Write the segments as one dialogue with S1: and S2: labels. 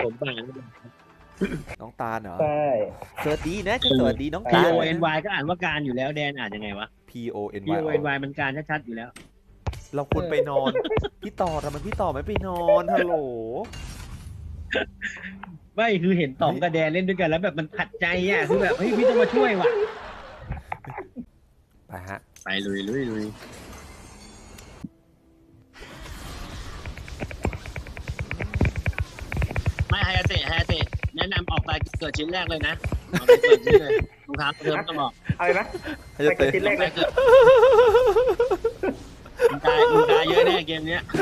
S1: ผมบาง
S2: น้องตาลเหรอ
S3: ใช่
S2: สวัสดีนะสวัสดีน้อง
S1: P
S2: ตาล
S1: O N Y ก็อ่านว่าการอยู่แล้วแดนอ่านยังไงวะ
S2: P O N
S1: P
S2: Y
S1: O N Y มันการชัดๆอยู่แล้ว
S2: เราควรไปนอน พี่ต่อทำไมพี่ต่อไม่ไปนอนฮัลโหล
S1: ไม่คือเห็นต๋องกับแดนเล่นด้วยกันแล้วแบบมันขัดใจอ่ะคือแบบเฮ้ยพี่ต้องมาช่วยว่ะ
S2: ไปฮะ
S1: ไปลุยไม่ไฮอาเตะแนะนำออกไปเกิดชิ้นแรกเลยนะออกไปเกิดชิ้นเลยรองเท้าเดิมต้องบอก
S3: อะไรนะ
S2: ให้จะ
S3: ไป
S2: เตะ
S3: ชิ้นแรก
S1: ไป
S3: เลย
S1: เกิดมึงตายเยอะแน่เกมเนี้ย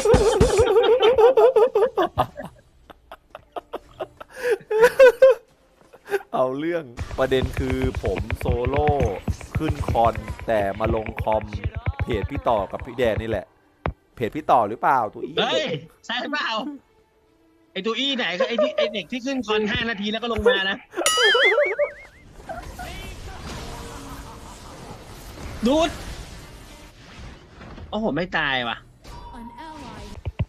S2: เอาเรื่องประเด็นคือผมโซโล่ขึ้นคอนแต่มาลงคอมเพจพี่ต่อกับพี่แดนนี่แหละ เพจพี่ต่อหรือเปล่าตัวอี
S1: เฮ้ยใช่เปล่าไอตัวอี้ไหนก็ไอเด็กที่ขึ้นคอน5 นาทีแล้วก็ลงมานะดูดโอ้โหไม่ตายว่ะ
S4: An ally.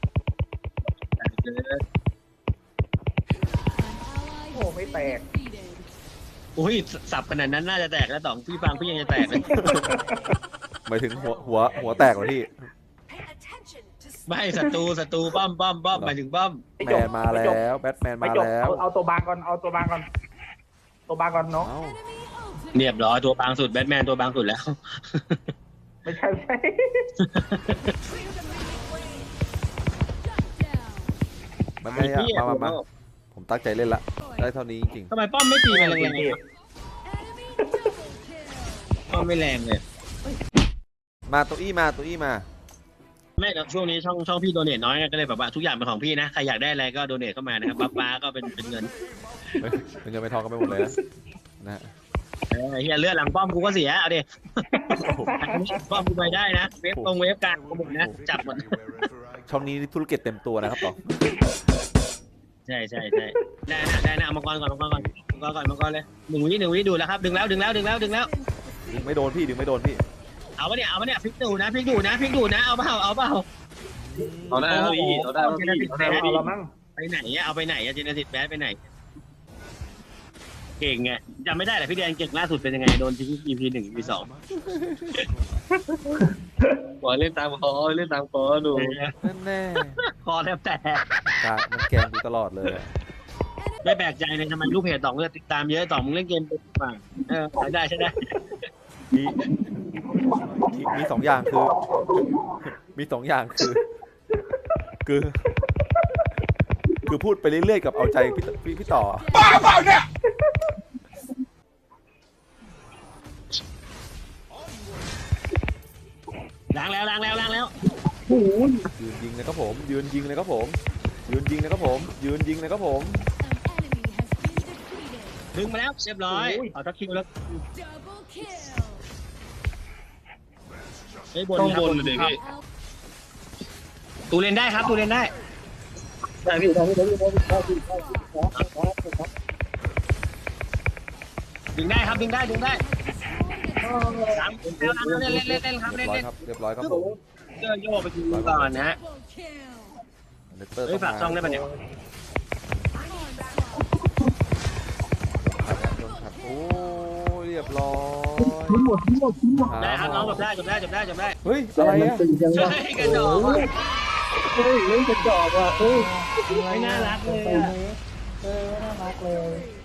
S3: โอ้ไม่แตก
S4: Defeated.
S1: อุ้ยสับขนาดนั้นน่าจะแตกแล้วต๋องพี่ฟังพี่ยังจะแตกเลย
S2: หมายถึงหัวแตกเหรอพี่
S1: ไม่ศัตรูป้อมหมายถึงป้อม
S2: แมนมาแล้วแบทแมน
S3: ไม่
S2: มา
S3: จบ
S2: แล้ว
S3: เอาตัวบางก่อนตัวบางก่อนเนาะ
S2: เอ้า
S4: Enemy ultimate.
S1: เรียบร้อยตัวบางสุดแบทแมนตัวบางสุดแล้ว
S3: ไม่ใช่
S4: Shut down.
S2: มันไม่อะมาผมตั้งใจเล่นละได้เท่านี้จริง
S1: ทำไมป้อมไม่ตีมันแรงๆ
S4: Enemy double kill.
S1: ป้อมไม่แรงเลย
S2: ๆมาตัวอี้มา
S1: ไม่นะช่วงนี้ช่องพี่โดเนทน้อยก็เลยแบบว่าทุกอย่างเป็นของพี่นะใครอยากได้อะไรก็โดเนทเข้ามานะครับป้าก็เป็นเงิน
S2: เป็นเงินเป็นทองกันไปหมดเลยนะฮะ
S1: เฮียเลือดหลังป้อมกูก็เสียเอาดิป้อมกูไปได้นะเวฟกลางกูหมดนะจับหมด
S2: ช่องนี้ธุรกิจเต็มตัวนะครับต่อ
S1: ใช่ได้นะเอามังกรก่อนเลยหนึ่งวิดูแล้วครับดึงแล้ว
S2: ดึงไม่โดนพี่
S1: เอาปะเนี่ยพลิกดูนะเอาเปล่า
S5: เอาได้แล้วพี่เอาได้แล้วพี่เอาได้แล้ว
S3: เอา
S5: พี่
S3: ละมั้ง
S1: ไปไหนอะเอาไปไหนอะเจเนซิสแบดไปไหนเก่งไงจำไม่ได้แหละพี่แดนเก่งล่าสุดเป็นยังไงโดนทิ้ง EP 1 EP 2
S5: ขอเล่นตามคอดู
S2: แน่
S1: คอแทบแตก
S2: ๆการมันแกงดูตลอดเลย
S1: ไม่แปลกใจเลยทำไมลูกเพจต่องติดตามเยอะต่องมึงเล่นเกมเป็นป่ะใช้ได้
S2: มีสองอย่างคือ คือพูดไปเรื่อยๆกับเอาใจพี่ต่อ
S4: บ้าเปล่าเนี่ย
S1: ล้างแล้ว
S2: ยืนยิงนะครับผมยืนยิงนะครับผม
S4: An enemy has been defeated.
S1: ดึงมาแล้วเรียบร้อยเอาทักคิวแล้ว
S4: Double kill.
S1: ไอ้บน
S5: ต้อง
S1: ครับ
S5: บนเลยพี่
S1: ตูเล่นได้ครับตูเล่นได้
S5: ได้พี่
S1: ดึงได้ครับดึงได้ตามแล้วเล่นครับเล่น
S2: เรียบร้อยครับผม
S1: เสื้อโยกไปดูก่อนนะฮะ
S4: Double kill.
S2: เนเตอร์
S1: เฮ้ยฝากช่องได้ปะเนี่ย
S4: Onslaught.
S2: โอ้เรียบร้อย
S1: ได้ครับน้องจบได้
S2: เฮ้ยอะไรอะ
S1: เฮ้ยกระจอกว่ะ
S3: เฮ้ยเล่นกระจอกว่ะเฮ้ย
S1: ไม่น่ารักเลย
S3: ไม่น่ารักเลย